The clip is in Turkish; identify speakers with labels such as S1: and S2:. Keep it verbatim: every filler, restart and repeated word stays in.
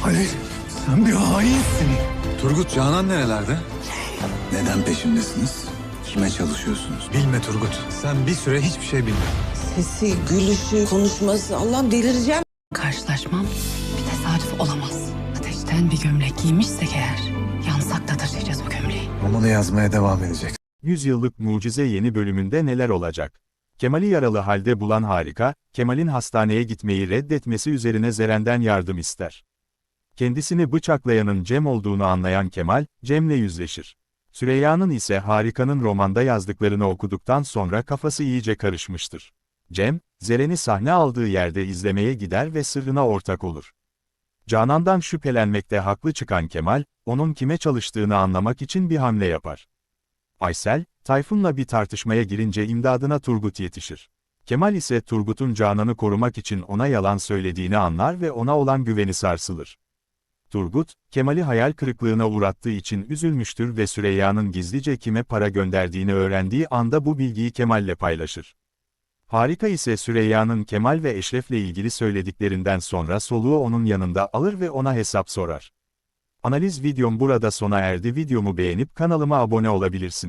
S1: Halil, sen bir hainsin.
S2: Turgut, Canan nerelerde?
S1: Neden peşimdesiniz? Kime çalışıyorsunuz?
S2: Bilme Turgut. Sen bir süre hiçbir şey bilme.
S3: Sesi, gülüşü, konuşması. Allah'ım delireceğim.
S4: Karşılaşmam bir tesadüf olamaz. Ateşten bir gömlek giymişsek eğer, yansak da taşıyacağız bu gömleği.
S2: Romanı yazmaya devam edecek.
S5: Yüzyıllık Mucize yeni bölümünde neler olacak? Kemal'i yaralı halde bulan Harika, Kemal'in hastaneye gitmeyi reddetmesi üzerine Zeren'den yardım ister. Kendisini bıçaklayanın Cem olduğunu anlayan Kemal, Cem'le yüzleşir. Süreyya'nın ise Harika'nın romanda yazdıklarını okuduktan sonra kafası iyice karışmıştır. Cem, Zeren'i sahne aldığı yerde izlemeye gider ve sırrına ortak olur. Canan'dan şüphelenmekte haklı çıkan Kemal, onun kime çalıştığını anlamak için bir hamle yapar. Aysel, Tayfun'la bir tartışmaya girince imdadına Turgut yetişir. Kemal ise Turgut'un Canan'ı korumak için ona yalan söylediğini anlar ve ona olan güveni sarsılır. Turgut, Kemal'i hayal kırıklığına uğrattığı için üzülmüştür ve Süreyya'nın gizlice kime para gönderdiğini öğrendiği anda bu bilgiyi Kemal'le paylaşır. Harika ise Süreyya'nın Kemal ve Eşref'le ilgili söylediklerinden sonra soluğu onun yanında alır ve ona hesap sorar. Analiz videom burada sona erdi. Videomu beğenip kanalıma abone olabilirsin.